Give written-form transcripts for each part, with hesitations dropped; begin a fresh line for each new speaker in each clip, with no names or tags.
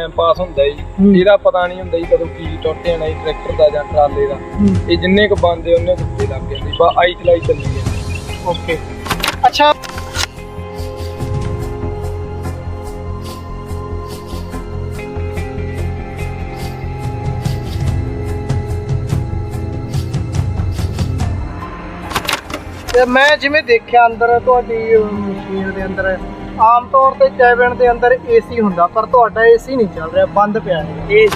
Time pass ਹੁੰਦਾ ਜੀ। ਇਹਦਾ ਪਤਾ ਨਹੀਂ ਹੁੰਦਾ ਜੀ ਕਦੋਂ ਕੀ ਟੁੱਟ ਜਾਣਾ ਜੀ, ਟਰੈਕਟਰ ਦਾ ਜਾਂ ਟਰਾਲੇ ਦਾ। ਇਹ ਜਿੰਨੇ ਕੁ ਬੰਦੇ ਉਹਨੇ ਕੁੱਤੇ ਲੱਗ ਜਾਂਦੇ, ਬਸ ਆਈ ਚਲਾਈ ਚੱਲੀ ਜਾਂਦੀ।
ਓਕੇ, ਅੱਛਾ ਤੇ ਮੈਂ ਜਿਵੇਂ ਦੇਖਿਆ ਅੰਦਰ ਤੁਹਾਡੀ ਮਸ਼ੀਨ ਦੇ ਅੰਦਰ ਆਮ ਤੌਰ ਤੇ ਕੈਬਨ ਦੇ ਅੰਦਰ ਏਸੀ ਹੁੰਦਾ, ਪਰ ਤੁਹਾਡਾ ਏਸੀ ਨਹੀਂ ਚੱਲ ਰਿਹਾ, ਬੰਦ ਪਿਆ ਹੈ।
ਏਸੀ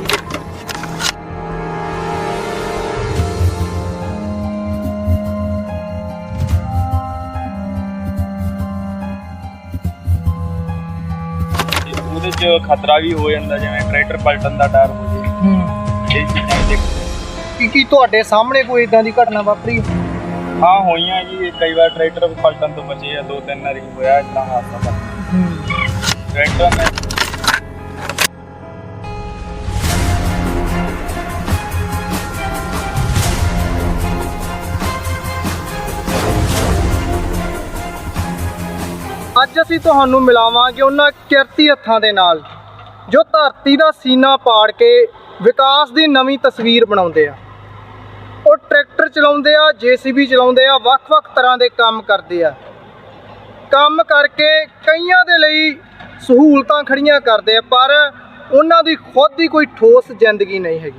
ਉਹਦੇ ਚ ਖਤਰਾ ਵੀ ਹੋ ਜਾਂਦਾ, ਜਿਵੇਂ ਟਰੈਕਟਰ ਪਲਟਣ ਦਾ ਡਰ ਹੋ ਜੇ। ਇਹ ਚੀਜ਼ਾਂ ਦੇਖ
ਕੀ ਤੁਹਾਡੇ ਸਾਹਮਣੇ ਕੋਈ ਇਦਾਂ ਦੀ ਘਟਨਾ ਵਾਪਰੀ?
ਹਾਂ ਹੋਈਆਂ ਜੀ, ਕਈ ਵਾਰ ਟਰੈਕਟਰ ਪਲਟਣ ਤੋਂ ਬਚੇ ਆ, 2-3 ਵਾਰੀ ਹੋਇਆ ਇਦਾਂ ਹਾਦਸਾ ਤਾਂ। ਟਰੈਕਟਰ ਨੇ
ਅੱਜ ਅਸੀਂ ਤੁਹਾਨੂੰ ਮਿਲਾਵਾਂਗੇ ਉਹਨਾਂ ਕਿਰਤੀ ਹੱਥਾਂ ਦੇ ਨਾਲ ਜੋ ਧਰਤੀ ਦਾ ਸੀਨਾ ਪਾੜ ਕੇ ਵਿਕਾਸ ਦੀ ਨਵੀਂ ਤਸਵੀਰ ਬਣਾਉਂਦੇ ਆ। ਉਹ ਟਰੈਕਟਰ ਚਲਾਉਂਦੇ ਆ, JCB ਚਲਾਉਂਦੇ ਆ, ਵੱਖ-ਵੱਖ ਤਰ੍ਹਾਂ ਦੇ ਕੰਮ ਕਰਦੇ ਆ। ਕੰਮ ਕਰਕੇ ਕਈਆਂ ਦੇ ਲਈ ਸਹੂਲਤਾਂ ਖੜੀਆਂ ਕਰਦੇ ਆ, ਪਰ ਉਹਨਾਂ ਦੀ ਖੁਦ ਦੀ ਕੋਈ ਠੋਸ ਜ਼ਿੰਦਗੀ ਨਹੀਂ ਹੈਗੀ।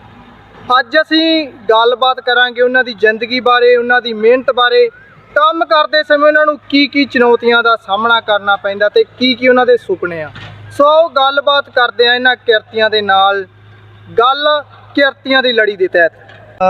ਅੱਜ ਅਸੀਂ ਗੱਲਬਾਤ ਕਰਾਂਗੇ ਉਹਨਾਂ ਦੀ ਜ਼ਿੰਦਗੀ ਬਾਰੇ, ਉਹਨਾਂ ਦੀ ਮਿਹਨਤ ਬਾਰੇ, ਕੰਮ ਕਰਦੇ ਸਮੇਂ ਉਹਨਾਂ ਨੂੰ ਕੀ ਚੁਣੌਤੀਆਂ ਦਾ ਸਾਹਮਣਾ ਕਰਨਾ ਪੈਂਦਾ ਤੇ ਕੀ ਉਹਨਾਂ ਦੇ ਸੁਪਨੇ ਆ। ਸੋ ਗੱਲਬਾਤ ਕਰਦੇ ਆ ਇਹਨਾਂ ਕਿਰਤੀਆਂ ਦੇ ਨਾਲ, ਗੱਲ ਕਿਰਤੀਆਂ ਦੀ ਲੜੀ ਦੇ ਤਹਿਤ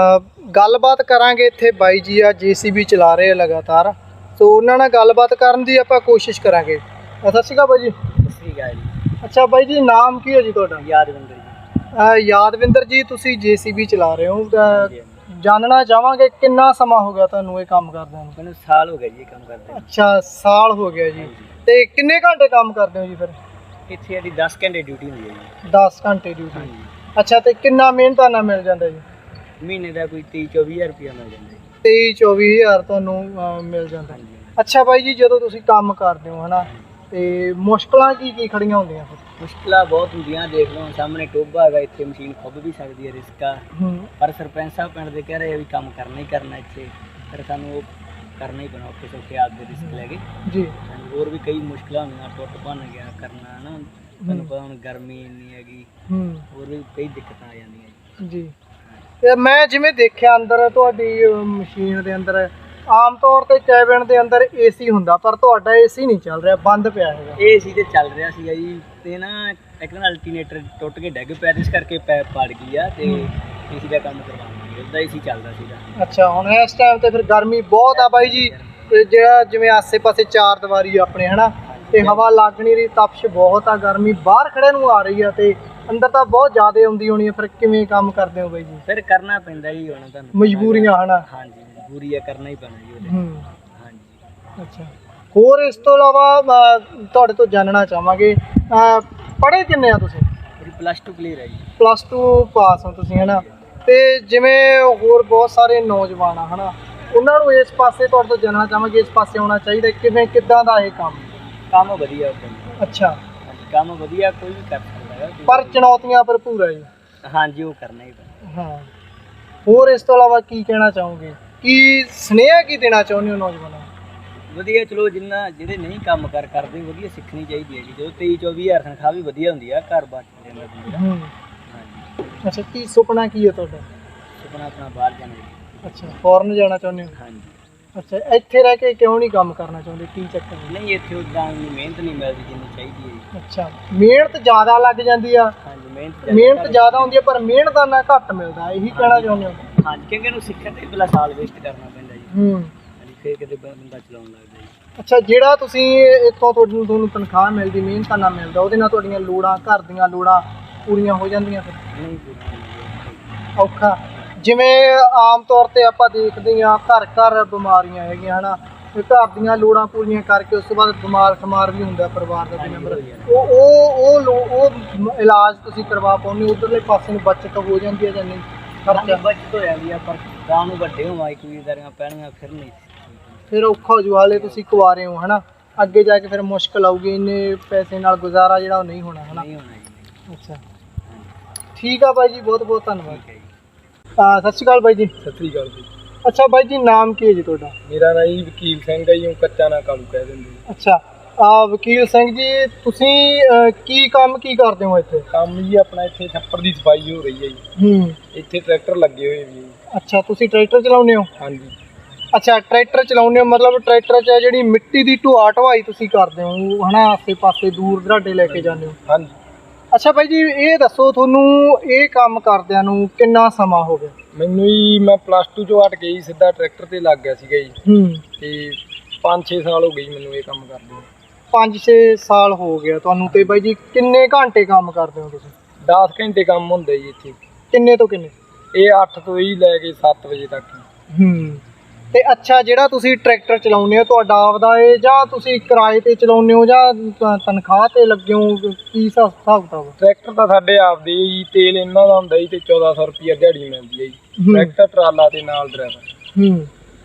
ਗੱਲਬਾਤ ਕਰਾਂਗੇ। ਇੱਥੇ ਬਾਈ ਜੀ ਆ, JCB ਚਲਾ ਰਹੇ ਆ ਲਗਾਤਾਰ, ਸੋ ਉਹਨਾਂ ਨਾਲ ਗੱਲਬਾਤ ਕਰਨ ਦੀ ਆਪਾਂ ਕੋਸ਼ਿਸ਼ ਕਰਾਂਗੇ। ਸਤਿ ਸ਼੍ਰੀ ਅਕਾਲ ਬਾਈ ਜੀ।
ਸਤਿ ਸ਼੍ਰੀ ਅਕਾਲ ਜੀ।
ਅੱਛਾ ਬਾਈ ਜੀ, ਨਾਮ ਕੀ ਹੈ ਜੀ ਤੁਹਾਡਾ?
ਯਾਦਵਿੰਦਰ ਜੀ।
ਯਾਦਵਿੰਦਰ ਜੀ, ਤੁਸੀਂ JCB ਚਲਾ ਰਹੇ ਹੋ, ਜਾਣਨਾ ਚਾਹਾਂਗੇ ਕਿੰਨਾ ਸਮਾਂ ਹੋ ਗਿਆ ਤੁਹਾਨੂੰ ਇਹ ਕੰਮ ਕਰਦਿਆਂ ਨੂੰ?
ਮੈਨੂੰ ਸਾਲ ਹੋ ਗਿਆ ਜੀ ਇਹ ਕੰਮ ਕਰਦੇ।
ਅੱਛਾ, ਸਾਲ ਹੋ ਗਿਆ ਜੀ। ਤੇ ਕਿੰਨੇ ਘੰਟੇ ਕੰਮ ਕਰਦੇ ਹੋ ਜੀ ਫਿਰ?
ਇੱਥੇ ਸਾਡੀ 10 ਘੰਟੇ ਡਿਊਟੀ ਹੁੰਦੀ ਹੈ ਜੀ।
10 ਘੰਟੇ ਡਿਊਟੀ। ਅੱਛਾ, ਤੇ ਕਿੰਨਾ ਮਿਹਨਤਾਨਾ ਮਿਲ ਜਾਂਦਾ ਜੀ?
ਮਹੀਨੇ ਦਾ ਕੋਈ 23-24 ਹਜ਼ਾਰ ਰੁਪਇਆ ਮਿਲ ਜਾਂਦਾ ਜੀ।
23-24 ਹਜ਼ਾਰ ਤੁਹਾਨੂੰ ਮਿਲ ਜਾਂਦਾ। ਅੱਛਾ ਬਾਈ ਜੀ, ਜਦੋਂ ਤੁਸੀਂ ਕੰਮ ਕਰਦੇ ਹੋ ਹਨਾ, ਤੇ ਮੁਸ਼ਕਲਾਂ ਕੀ ਖੜੀਆਂ ਹੁੰਦੀਆਂ ਫਿਰ?
ਮੁਸ਼ਕਲਾਂ ਬਹੁਤ ਹੁੰਦੀਆਂ, ਦੇਖ ਲਓ ਸਾਹਮਣੇ ਟੋਭਾ ਹੈਗਾ, ਇੱਥੇ ਮਸ਼ੀਨ ਖੁੱਭ ਵੀ ਸਕਦੀ ਹੈ, ਰਿਸਕ ਆ। ਪਰ ਸਰਪੰਚ ਸਾਹਿਬ ਪਿੰਡ ਦੇ ਕਹਿ ਰਹੇ ਆ ਵੀ ਕੰਮ ਕਰਨਾ ਹੀ ਕਰਨਾ ਇੱਥੇ, ਫਿਰ ਸਾਨੂੰ ਉਹ ਕਰਨਾ ਹੀ ਪੈਣਾ, ਔਖੇ ਸੌਖੇ ਆਪਦੇ ਰਿਸਕ ਲੈ ਕੇ ਜੀ। ਹੋਰ ਵੀ ਕਈ ਮੁਸ਼ਕਲਾਂ ਹੁੰਦੀਆਂ, ਟੁੱਟ ਭੰਨ ਗਿਆ ਕਰਨਾ ਹੈ ਨਾ, ਤੁਹਾਨੂੰ ਪਤਾ ਹੁਣ ਗਰਮੀ ਇੰਨੀ ਹੈਗੀ, ਹੋਰ ਵੀ ਕਈ ਦਿੱਕਤਾਂ ਆ ਜਾਂਦੀਆਂ ਜੀ।
ਤੇ ਮੈਂ ਜਿਵੇਂ ਦੇਖਿਆ ਅੰਦਰ ਤੁਹਾਡੀ ਮਸ਼ੀਨ ਦੇ ਅੰਦਰ ਆਮ ਤੌਰ ਤੇ ਕੈਬਨ ਦੇ ਅੰਦਰ ਏਸੀ ਹੁੰਦਾ, ਪਰ ਤੁਹਾਡਾ ਏਸੀ ਨਹੀਂ ਚੱਲ ਰਿਹਾ, ਬੰਦ ਪਿਆ ਹੈਗਾ।
ਏਸੀ ਤੇ ਚੱਲ ਰਿਹਾ ਸੀਗਾ ਜੀ, ਤੇ ਨਾ ਇੱਕ ਨਾਲ ਅਲਟਰਨੇਟਰ ਟੁੱਟ ਕੇ ਡਿੱਗ ਪਿਆ, ਇਸ ਕਰਕੇ ਪੈਪ ਪਾੜ ਗਈ ਆ, ਤੇ ਏਸੀ ਦਾ ਕੰਮ ਕਰਵਾਉਣਾ, ਉਹਦਾ ਏਸੀ ਚੱਲਦਾ ਸੀਗਾ।
ਅੱਛਾ, ਹੁਣ ਇਸ ਟਾਈਮ ਤੇ ਫਿਰ ਗਰਮੀ ਬਹੁਤ ਆ ਬਾਈ ਜੀ, ਤੇ ਜਿਹੜਾ ਜਿਵੇਂ ਆਸੇ-ਪਾਸੇ ਚਾਰ ਦੀਵਾਰੀ ਆਪਣੇ ਹਨਾ, ਤੇ ਹਵਾ ਲੱਗ ਨਹੀਂ ਰਹੀ, ਤਪਸ਼ ਬਹੁਤ ਆ, ਗਰਮੀ ਬਾਹਰ ਖੜੇ ਨੂੰ ਆ ਰਹੀ ਆ, ਤੇ ਅੰਦਰ ਤਾਂ ਬਹੁਤ ਜ਼ਿਆਦਾ ਆਉਂਦੀ ਹੋਣੀ ਹੈ। ਫਿਰ ਕਿਵੇਂ ਕੰਮ ਕਰਦੇ ਹੋ ਬਾਈ ਜੀ?
ਫਿਰ ਕਰਨਾ ਪੈਂਦਾ ਜੀ, ਹੁਣ ਤੁਹਾਨੂੰ
ਮਜਬੂਰੀਆਂ ਹਨਾ।
ਹਾਂਜੀ, ਮਜਬੂਰੀ ਆ, ਕਰਨਾ ਹੀ ਪੈਣਾ ਜੀ ਉਹਦੇ। ਹਾਂਜੀ।
ਅੱਛਾ, ਹੋਰ ਇਸ ਤੋਂ ਇਲਾਵਾ ਤੁਹਾਡੇ ਤੋਂ ਜਾਣਨਾ ਚਾਹਾਂਗੇ, ਪੜ੍ਹੇ ਕਿੰਨੇ ਆ ਤੁਸੀਂ?
ਮੇਰੀ +2 ਕਲੀਅਰ ਹੈ ਜੀ।
+2 ਪਾਸ ਹੋ ਤੁਸੀਂ ਹਨਾ, ਤੇ ਜਿਵੇਂ ਹੋਰ ਬਹੁਤ ਸਾਰੇ ਨੌਜਵਾਨ ਆ ਹਨਾ, ਉਹਨਾਂ ਨੂੰ ਇਸ ਪਾਸੇ ਤੁਹਾਡੇ ਤੋਂ ਜਾਣਨਾ ਚਾਹਾਂਗੇ, ਇਸ ਪਾਸੇ ਆਉਣਾ ਚਾਹੀਦਾ, ਕਿੱਦਾਂ ਦਾ ਇਹ
ਕੰਮ ਵਧੀਆ।
ਅੱਛਾ,
ਕੰਮ ਵਧੀਆ, ਕੋਈ ਵੀ ਕਰ ਸਕਦਾ ਹੈ,
ਪਰ ਚੁਣੌਤੀਆਂ ਭਰਪੂਰ ਹੈ ਜੀ।
ਹਾਂਜੀ, ਉਹ ਕਰਨਾ ਹੀ ਪੈਣਾ।
ਹਾਂ, ਹੋਰ ਇਸ ਤੋਂ ਇਲਾਵਾ ਕੀ ਕਹਿਣਾ ਚਾਹੋਗੇ, ਕੀ ਸੁਨੇਹਾ ਕੀ ਦੇਣਾ ਚਾਹੁੰਦੇ ਹੋ ਨੌਜਵਾਨਾਂ ਨੂੰ?
ਵਧੀਆ, ਚਲੋ ਜਿਹੜੇ ਨਹੀਂ ਕੰਮ ਕਰਦੇ, ਵਧੀਆ ਸਿੱਖਣੀ ਚਾਹੀਦੀ ਹੈ ਜੀ। ਜਦੋਂ 23-24 ਹਜ਼ਾਰ ਤਨਖਾਹ ਵੀ ਵਧੀਆ ਹੁੰਦੀ ਆ, ਘਰ ਬਾਰ ਜਾਂਦਾ ਬੰਦੇ ਦਾ। ਹਾਂਜੀ।
ਅੱਛਾ, ਕੀ ਸੁਪਨਾ ਕੀ ਹੈ ਤੁਹਾਡਾ?
ਸੁਪਨਾ ਆਪਣਾ ਬਾਹਰ ਜਾਣਾ ਜੀ।
ਅੱਛਾ, ਫੋਰਨ ਜਾਣਾ ਚਾਹੁੰਦੇ ਹੋ?
ਹਾਂਜੀ।
ਅੱਛਾ, ਇੱਥੇ ਰਹਿ ਕੇ ਕਿਉਂ ਨਹੀਂ ਕੰਮ ਕਰਨਾ ਚਾਹੁੰਦੇ, ਕੀ ਚੱਕਰ?
ਨਹੀਂ, ਇੱਥੇ ਉਦਾਂ ਮਿਹਨਤ ਨਹੀਂ ਮਿਲਦੀ ਜਿੰਨੀ ਚਾਹੀਦੀ ਹੈ ਜੀ।
ਅੱਛਾ, ਮਿਹਨਤ ਜ਼ਿਆਦਾ ਲੱਗ ਜਾਂਦੀ ਆ?
ਹਾਂਜੀ,
ਮਿਹਨਤ ਜ਼ਿਆਦਾ ਹੁੰਦੀ ਹੈ, ਪਰ ਮਿਹਨਤਾਨਾ ਘੱਟ ਮਿਲਦਾ, ਇਹੀ ਕਹਿਣਾ ਚਾਹੁੰਦੇ ਹੋ?
ਹਾਂਜੀ, ਕਿਉਂਕਿ ਇਹਨੂੰ ਸਿੱਖਣ ਤੇ ਪਹਿਲਾਂ ਸਾਲ ਵੇਸਟ ਕਰਨਾ ਪੈਂਦਾ ਜੀ। ਹਾਂਜੀ, ਫਿਰ ਕਿਤੇ ਬੰਦਾ ਚਲਾਉਣ ਲੱਗਦਾ ਜੀ।
ਅੱਛਾ, ਜਿਹੜਾ ਤੁਸੀਂ ਇੱਥੋਂ ਤੁਹਾਨੂੰ ਤਨਖਾਹ ਮਿਲਦੀ, ਮਿਹਨਤਾਨਾ ਮਿਲਦਾ, ਉਹਦੇ ਨਾਲ ਤੁਹਾਡੀਆਂ ਲੋੜਾਂ, ਘਰ ਦੀਆਂ ਲੋੜਾਂ ਪੂਰੀਆਂ ਹੋ ਜਾਂਦੀਆਂ? ਫਿਰ
ਨਹੀਂ
ਔਖਾ, ਜਿਵੇਂ ਆਮ ਤੌਰ ਤੇ ਆਪਾਂ ਦੇਖਦੇ ਹਾਂ ਘਰ ਬਿਮਾਰੀਆਂ ਹੈਗੀਆਂ ਹਨਾ, ਘਰ ਦੀਆਂ ਲੋੜਾਂ ਪੂਰੀਆਂ ਕਰਕੇ ਉਸ ਤੋਂ ਬਾਅਦ ਬਿਮਾਰ ਵੀ ਹੁੰਦਾ ਪਰਿਵਾਰ ਦਾ ਕੋਈ ਮੈਂਬਰ, ਉਹ ਇਲਾਜ ਤੁਸੀਂ ਕਰਵਾ ਪਾਉਂਦੇ ਹੋ, ਉਧਰਲੇ ਪਾਸੇ ਨੂੰ ਬਚਤ ਹੋ ਜਾਂਦੀ ਹੈ ਜਾਂ ਨਹੀਂ?
ਖਰਚਾ ਬਚਤ ਹੋ ਜਾਂਦੀ ਆ, ਪਰ ਗਾਂ ਨੂੰ ਵੱਡੇ ਹੋਵਾਂ ਇੱਕ ਵੀਦਾਰੀਆਂ ਪੈਣੀਆਂ, ਫਿਰ ਨਹੀਂ,
ਫਿਰ ਔਖਾ ਹੋ ਜੂ। ਹਾਲੇ ਤੁਸੀਂ ਕੁਆਰੇ ਹੋ ਹਨਾ, ਅੱਗੇ ਜਾ ਕੇ ਫਿਰ ਮੁਸ਼ਕਲ ਆਊਗੀ, ਇੰਨੇ ਪੈਸੇ ਨਾਲ ਗੁਜ਼ਾਰਾ ਜਿਹੜਾ ਉਹ ਨਹੀਂ ਹੋਣਾ ਹਨਾ। ਅੱਛਾ ਠੀਕ ਆ ਬਾਈ ਜੀ, ਬਹੁਤ ਬਹੁਤ ਧੰਨਵਾਦ।
ਠੀਕ ਹੈ ਜੀ।
ਸਤਿ ਸ਼੍ਰੀ ਅਕਾਲ ਬਾਈ ਜੀ।
ਸਤਿ ਸ੍ਰੀ ਅਕਾਲ ਜੀ।
ਅੱਛਾ ਬਾਈ ਜੀ, ਨਾਮ ਕੀ ਹੈ ਜੀ ਤੁਹਾਡਾ?
ਮੇਰਾ ਨਾਂ ਜੀ ਵਕੀਲ ਸਿੰਘ ਹੈ ਜੀ, ਉਹ ਕੱਚਾ ਨਾ ਕਾਲੂ ਕਹਿ ਦਿੰਦੇ ਜੀ।
ਅੱਛਾ ਵਕੀਲ ਸਿੰਘ ਜੀ, ਤੁਸੀਂ ਕੀ ਕਰਦੇ ਹੋ ਇੱਥੇ?
ਕੰਮ ਜੀ ਆਪਣਾ ਇੱਥੇ ਛੱਪੜ ਦੀ ਸਫਾਈ ਹੋ ਰਹੀ ਹੈ ਜੀ। ਇੱਥੇ ਟਰੈਕਟਰ ਲੱਗੇ ਹੋਏ ਵੀ ਜੀ।
ਅੱਛਾ, ਤੁਸੀਂ ਟਰੈਕਟਰ ਚਲਾਉਂਦੇ ਹੋ?
ਹਾਂਜੀ।
ਅੱਛਾ, ਟਰੈਕਟਰ ਚਲਾਉਂਦੇ ਹੋ ਮਤਲਬ ਟਰੈਕਟਰ 'ਚ ਜਿਹੜੀ ਮਿੱਟੀ ਦੀ ਢੋਆ ਢਵਾਈ ਤੁਸੀਂ ਕਰਦੇ ਹੋ ਹਨਾ, ਆਸੇ ਪਾਸੇ ਦੂਰ ਦਰਾਡੇ ਲੈ ਕੇ ਜਾਂਦੇ ਹੋ?
ਹਾਂਜੀ।
ਅੱਛਾ ਬਾਈ ਜੀ, ਇਹ ਦੱਸੋ ਤੁਹਾਨੂੰ ਇਹ ਕੰਮ ਕਰਦਿਆਂ ਨੂੰ ਕਿੰਨਾ ਸਮਾਂ ਹੋ ਗਿਆ?
ਮੈਨੂੰ ਜੀ ਮੈਂ +2 ਚੋਂ ਹਟ ਕੇ ਜੀ ਸਿੱਧਾ ਟਰੈਕਟਰ ਤੇ ਲੱਗ ਗਿਆ ਸੀਗਾ ਜੀ। ਤੇ 5-6 ਸਾਲ ਹੋ ਗਏ ਜੀ ਮੈਨੂੰ ਇਹ ਕੰਮ ਕਰਦੇ।
5-6 ਸਾਲ ਹੋ ਗਿਆ ਤੁਹਾਨੂੰ। ਤੇ ਬਾਈ ਜੀ ਕਿੰਨੇ ਘੰਟੇ ਕੰਮ ਕਰਦੇ ਹੋ ਤੁਸੀਂ?
10 ਘੰਟੇ ਕੰਮ ਹੁੰਦਾ ਜੀ ਇੱਥੇ।
ਕਿੰਨੇ ਤੋਂ ਕਿੰਨੇ?
ਇਹ 8 ਤੋਂ ਹੀ ਲੈ ਕੇ 7 ਵਜੇ ਤੱਕ।
ਤੇ ਅੱਛਾ, ਜਿਹੜਾ ਤੁਸੀਂ ਟਰੈਕਟਰ ਚਲਾਉਂਦੇ ਹੋ ਤੁਹਾਡਾ ਆਪਦਾ ਹੈ ਜਾਂ ਤੁਸੀਂ ਕਿਰਾਏ ਤੇ ਚਲਾਉਂਦੇ ਹੋ ਜਾਂ ਤਨਖਾਹ ਤੇ ਲੱਗੇ ਹੋ? ਕੀ ਹਿਸਾਬ ਕਿਤਾਬ?
ਟਰੈਕਟਰ ਤਾਂ ਸਾਡੇ ਆਪਦੇ ਜੀ, ਤੇਲ ਇਹਨਾਂ ਦਾ ਹੁੰਦਾ ਜੀ ਤੇ 1400 ਰੁਪਈਆ ਦਿਹਾੜੀ ਮਿਲਦੀ ਹੈ ਜੀ। ਟਰੈਕਟਰ ਟਰਾਲਾ ਤੇ ਨਾਲ ਡਰਾਈਵਰ।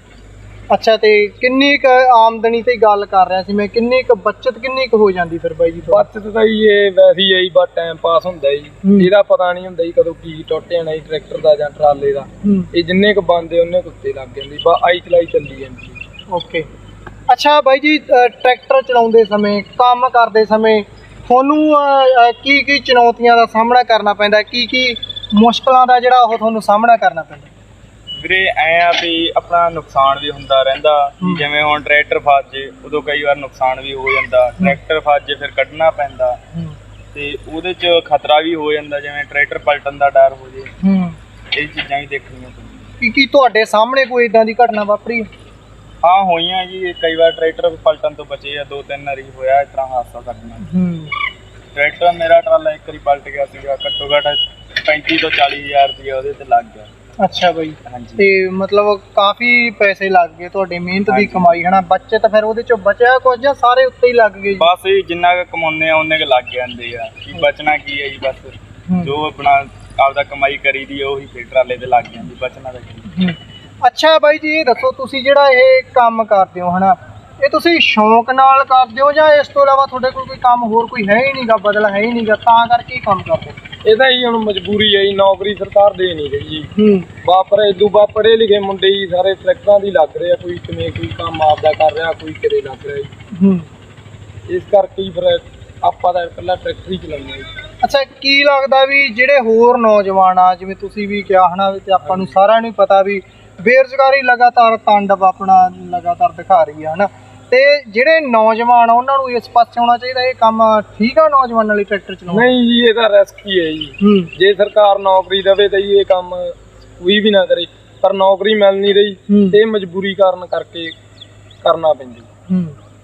ਅੱਛਾ, ਤੇ ਕਿੰਨੀ ਕੁ ਆਮਦਨੀ ਤੇ ਗੱਲ ਕਰ ਰਿਹਾ ਸੀ ਮੈਂ, ਕਿੰਨੀ ਕੁ ਬੱਚਤ ਕਿੰਨੀ ਕੁ ਹੋ ਜਾਂਦੀ ਫਿਰ ਬਾਈ ਜੀ? ਬੱਚਤ ਤਾਂ ਜੀ ਇਹ ਵੈਸੇ ਹੀ ਹੈ ਜੀ, ਬਸ ਟਾਈਮ ਪਾਸ ਹੁੰਦਾ ਜੀ। ਇਹਦਾ ਪਤਾ ਨਹੀਂ ਹੁੰਦਾ ਜੀ ਕਦੋਂ ਕੀ ਟੁੱਟ ਜਾਣਾ ਜੀ ਟਰੈਕਟਰ ਦਾ ਜਾਂ ਟਰਾਲੇ ਦਾ। ਇਹ ਜਿੰਨੇ ਕੁ ਬੰਦੇ ਉਹਨੇ ਕੁ ਉੱਤੇ ਲੱਗ ਜਾਂਦੀ, ਬਸ ਆਈ ਚਲਾਈ ਚੱਲੀ ਜਾਂਦੀ।
ਓਕੇ। ਅੱਛਾ ਬਾਈ ਜੀ, ਟਰੈਕਟਰ ਚਲਾਉਂਦੇ ਸਮੇਂ, ਕੰਮ ਕਰਦੇ ਸਮੇਂ ਤੁਹਾਨੂੰ ਕੀ ਕੀ ਚੁਣੌਤੀਆਂ ਦਾ ਸਾਹਮਣਾ ਕਰਨਾ ਪੈਂਦਾ? ਕੀ ਮੁਸ਼ਕਲਾਂ ਦਾ ਜਿਹੜਾ ਉਹ ਤੁਹਾਨੂੰ ਸਾਹਮਣਾ ਕਰਨਾ ਪੈਂਦਾ?
ਵੀਰੇ ਐਂ ਆ ਵੀ ਆਪਣਾ ਨੁਕਸਾਨ ਵੀ ਹੁੰਦਾ ਰਹਿੰਦਾ, ਜਿਵੇਂ ਹੁਣ ਟਰੈਕਟਰ ਫਸ ਜੇ ਉਦੋਂ ਕਈ ਵਾਰ ਨੁਕਸਾਨ ਵੀ ਹੋ ਜਾਂਦਾ। ਟਰੈਕਟਰ ਫਸ ਜੇ ਫਿਰ ਕੱਢਣਾ ਪੈਂਦਾ ਤੇ ਉਹਦੇ 'ਚ ਖਤਰਾ ਵੀ ਹੋ ਜਾਂਦਾ, ਜਿਵੇਂ ਟਰੈਕਟਰ ਪਲਟਣ ਦਾ ਡਰ ਹੋ ਜੇ। ਇਹ ਚੀਜ਼ਾਂ ਵੀ ਦੇਖਣੀਆਂ ਪੈਂਦੀਆਂ।
ਕੀ ਤੁਹਾਡੇ ਸਾਹਮਣੇ ਕੋਈ ਇਦਾਂ ਦੀ ਘਟਨਾ ਵਾਪਰੀ?
ਹਾਂ ਹੋਈਆਂ ਜੀ, ਕਈ ਵਾਰ ਟਰੈਕਟਰ ਪਲਟਣ ਤੋਂ ਬਚੇ ਆ। 2-3 ਵਾਰੀ ਹੋਇਆ ਇਸ ਤਰ੍ਹਾਂ ਹਾਦਸਾ ਕਰਨਾ। ਟਰੈਕਟਰ ਮੇਰਾ ਟਰਾਲਾ ਇੱਕ ਵਾਰੀ ਪਲਟ ਗਿਆ ਸੀਗਾ, ਘੱਟੋ ਘੱਟ 35 ਤੋਂ 40 ਹਜ਼ਾਰ ਰੁਪਇਆ ਉਹਦੇ ਤੇ ਲੱਗ ਗਿਆ।
ਅੱਛਾ ਬਾਈ।
ਹਾਂਜੀ।
ਤੇ ਮਤਲਬ ਕਾਫੀ ਪੈਸੇ ਲੱਗ ਗਏ ਤੁਹਾਡੀ ਮਿਹਨਤ ਦੀ ਕਮਾਈ ਹਨਾ। ਬੱਚਤ ਫਿਰ ਉਹਦੇ ਚੋਂ ਬਚਿਆ ਕੁਝ ਜਾਂ ਸਾਰੇ ਉੱਤੇ ਹੀ ਲੱਗ ਗਏ?
ਬਸ ਜਿੰਨਾ ਕੁ ਕਮਾਉਂਦੇ ਆ ਉਹਨੇ ਕੁ ਲੱਗ ਜਾਂਦੇ ਆ, ਕੀ ਬਚਣਾ ਕੀ ਹੈ ਜੀ। ਬਸ ਜੋ ਆਪਣਾ ਆਪਦਾ ਕਮਾਈ ਕਰੀਦੀ ਉਹੀ ਫਿਰ ਟਰਾਲੇ ਤੇ ਲੱਗ ਜਾਂਦੀ, ਬਚਣਾ ਤਾਂ ਕੀ।
ਅੱਛਾ ਬਾਈ ਜੀ, ਇਹ ਦੱਸੋ ਤੁਸੀਂ ਜਿਹੜਾ ਇਹ ਕੰਮ ਕਰਦੇ ਹੋ ਹਨਾ, ਇਹ ਤੁਸੀਂ ਸ਼ੌਂਕ ਨਾਲ ਕਰਦੇ ਹੋ ਜਾਂ ਇਸ ਤੋਂ ਇਲਾਵਾ ਤੁਹਾਡੇ ਕੋਲ ਕੋਈ ਕੰਮ ਹੋਰ ਕੋਈ ਹੈ ਹੀ ਨਹੀਂਗਾ, ਬਦਲ ਹੈ ਹੀ ਨਹੀਂਗਾ ਤਾਂ ਕਰਕੇ ਕੰਮ ਕਰਦੇ ਹੋ?
ਇਹਦਾ ਹੀ ਹੁਣ ਮਜਬੂਰੀ ਹੈ ਜੀ, ਨੌਕਰੀ ਸਰਕਾਰ ਦੇ ਨਹੀਂ ਰਹੀ ਜੀ। ਬਾਪਰੇ ਦੂਬਾ ਪੜ੍ਹੇ ਲਿਖੇ ਮੁੰਡੇ ਜੀ ਸਾਰੇ ਟਰੈਕਟਰਾਂ ਦੀ ਲੱਗ ਰਹੇ ਆ, ਕੋਈ ਕਿਵੇਂ ਕੋਈ ਕੰਮ ਆਪਦਾ ਕਰ ਰਿਹਾ, ਕੋਈ ਕਿਤੇ ਲੱਗ ਰਿਹਾ ਜੀ। ਇਸ ਕਰਕੇ ਹੀ ਫਿਰ ਆਪਾਂ ਤਾਂ ਇਕੱਲਾ ਟਰੈਕਟਰ ਹੀ ਚਲਾਉਂਦੇ ਹਾਂ ਜੀ।
ਅੱਛਾ, ਕੀ ਲੱਗਦਾ ਵੀ ਜਿਹੜੇ ਹੋਰ ਨੌਜਵਾਨ ਆ, ਜਿਵੇਂ ਤੁਸੀਂ ਵੀ ਕਿਹਾ ਹਨਾ, ਤੇ ਆਪਾਂ ਨੂੰ ਸਾਰਿਆਂ ਨੂੰ ਪਤਾ ਵੀ ਬੇਰੁਜ਼ਗਾਰੀ ਲਗਾਤਾਰ ਤਾਂਡਵ ਆਪਣਾ ਲਗਾਤਾਰ ਦਿਖਾ ਰਹੀ ਆ ਹਨਾ, ਤੇ ਜਿਹੜੇ ਨੌਜਵਾਨ ਆ ਉਹਨਾਂ ਨੂੰ ਇਸ ਪਾਸੇ ਆਉਣਾ ਚਾਹੀਦਾ। ਇਹ ਕੰਮ ਠੀਕ ਆ ਨੌਜਵਾਨਾਂ ਲਈ ਟਰੈਕਟਰ ਚਲਾਉਣਾ? ਨਹੀਂ
ਜੀ, ਇਹਦਾ ਰਿਸਕ ਹੀ ਹੈ ਜੀ। ਜੇ ਸਰਕਾਰ ਨੌਕਰੀ ਦੇਵੇ ਤਾਂ ਇਹ ਕੰਮ ਕੋਈ ਵੀ ਨਾ ਕਰੇ, ਪਰ ਨੌਕਰੀ ਮਿਲ ਨਹੀਂ ਰਹੀ ਤੇ ਮਜਬੂਰੀ ਕਾਰਨ ਕਰਕੇ ਕਰਨਾ ਪੈਂਦਾ।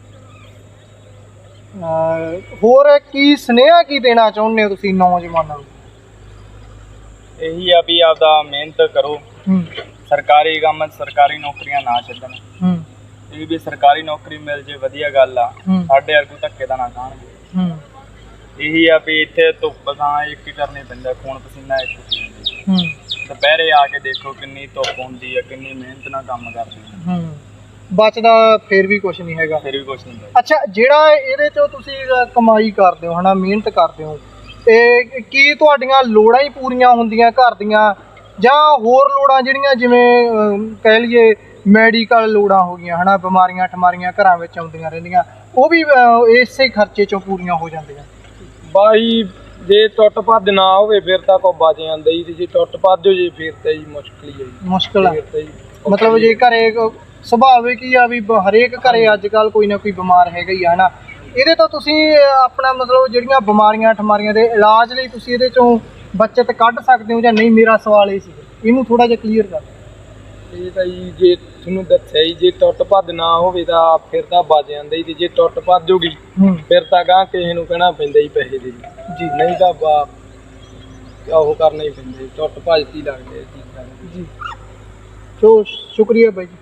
ਹੋਰ ਕੀ ਸੁਨੇਹਾ ਕੀ ਦੇਣਾ ਚਾਹੁੰਦੇ ਹੋ ਤੁਸੀਂ ਨੌਜਵਾਨਾਂ ਨੂੰ?
ਇਹੀ ਆ ਵੀ ਆਪਦਾ ਮਿਹਨਤ ਕਰੋ, ਸਰਕਾਰੀ ਕੰਮ ਸਰਕਾਰੀ ਨੌਕਰੀਆਂ ਨਾ ਛੱਡਣ। ਇਹ ਵੀ ਸਰਕਾਰੀ ਨੌਕਰੀ ਮਿਲ ਜੇ ਵਧੀਆ ਗੱਲ ਆ, ਸਾਡੇ ਵਰਗੂ ਧੱਕੇ ਦਾ ਨਾ ਖਾਣਗੇ। ਇਹੀ ਆ ਵੀ ਇੱਥੇ ਧੁੱਪ ਤਾਂ ਇੱਕ ਹੀ ਕਰਨੀ ਪੈਂਦਾ, ਖੂਨ ਪਸੀਨਾ ਇੱਕ। ਦੁਪਹਿਰੇ ਆ ਕੇ ਦੇਖੋ ਕਿੰਨੀ ਧੁੱਪ ਹੁੰਦੀ ਆ, ਕਿੰਨੀ ਮਿਹਨਤ ਨਾਲ ਕੰਮ ਕਰਦੇ ਆ।
ਬਚਦਾ ਫਿਰ ਵੀ ਕੁਝ ਨਹੀਂ ਹੈਗਾ।
ਫਿਰ ਵੀ ਕੁਝ ਨਹੀਂ।
ਅੱਛਾ, ਜਿਹੜਾ ਇਹਦੇ ਚੋਂ ਤੁਸੀਂ ਕਮਾਈ ਕਰਦੇ ਹੋ ਹਨਾ, ਮਿਹਨਤ ਕਰਦੇ ਹੋ, ਤੇ ਕੀ ਤੁਹਾਡੀਆਂ ਲੋੜਾਂ ਹੀ ਪੂਰੀਆਂ ਹੁੰਦੀਆਂ ਘਰ ਦੀਆਂ ਜਾਂ ਹੋਰ ਲੋੜਾਂ ਜਿਹੜੀਆਂ ਜਿਵੇਂ ਕਹਿ ਲਈਏ ਮੈਡੀਕਲ ਲੋੜਾਂ ਹੋ ਗਈਆਂ ਹਨਾ, ਬਿਮਾਰੀਆਂ ਠਮਾਰੀਆਂ ਘਰਾਂ ਵਿੱਚ ਆਉਂਦੀਆਂ ਰਹਿੰਦੀਆਂ, ਉਹ ਵੀ ਇਸੇ ਖਰਚੇ ਚੋਂ ਪੂਰੀਆਂ ਹੋ ਜਾਂਦੀਆਂ?
ਬਾਈ ਜੇ ਟੁੱਟ ਭੱਜ ਨਾ ਹੋਵੇ ਫਿਰ ਤਾਂ ਕੋ ਬਚ ਜਾਂਦਾ ਜੀ, ਤੇ ਜੇ ਟੁੱਟ ਭੱਜ ਹੋ ਜੇ ਫਿਰ ਤਾਂ ਜੀ ਮੁਸ਼ਕਿਲ ਹੀ ਹੈ ਜੀ।
ਮੁਸ਼ਕਿਲ ਆ ਮਤਲਬ ਜੇ ਘਰੇ ਸੁਭਾਵਿਕ ਹੀ ਆ ਵੀ ਹਰੇਕ ਘਰੇ ਅੱਜ ਕੱਲ੍ਹ ਕੋਈ ਨਾ ਕੋਈ ਬਿਮਾਰ ਹੈਗਾ ਹੀ ਆ ਹਨਾ। ਇਹਦੇ ਤੋਂ ਤੁਸੀਂ ਆਪਣਾ ਮਤਲਬ ਜਿਹੜੀਆਂ ਬਿਮਾਰੀਆਂ ਠਮਾਰੀਆਂ ਦੇ ਇਲਾਜ ਲਈ ਤੁਸੀਂ ਇਹਦੇ ਚੋਂ ਬੱਚਤ ਕੱਢ ਸਕਦੇ ਹੋ ਜਾਂ ਨਹੀਂ? ਮੇਰਾ ਸਵਾਲ ਇਹ ਸੀ, ਇਹਨੂੰ ਥੋੜਾ ਜਿਹਾ ਕਲੀਅਰ ਕਰ।
ਇਹ ਤਾਂ ਜੀ ਜੇ ਤੁਹਾਨੂੰ ਦੱਸਿਆ ਜੀ, ਜੇ ਟੁੱਟ ਭੱਜ ਨਾ ਹੋਵੇ ਤਾਂ ਫਿਰ ਤਾਂ ਬਚ ਜਾਂਦਾ ਜੀ, ਤੇ ਜੇ ਟੁੱਟ ਭੱਜ ਹੋਗੀ ਫਿਰ ਤਾਂ ਗਾਂ ਕਿਸੇ ਨੂੰ ਕਹਿਣਾ ਪੈਂਦਾ ਜੀ ਪੈਸੇ ਦੇ ਜੀ, ਨਹੀਂ ਤਾਂ ਉਹ ਕਰਨਾ ਹੀ ਪੈਂਦਾ, ਟੁੱਟ ਭੱਜ ਹੀ ਲੱਗਦੇ ਜੀ।
ਸੋ ਸ਼ੁਕਰੀਆ ਬਾਈ ਜੀ।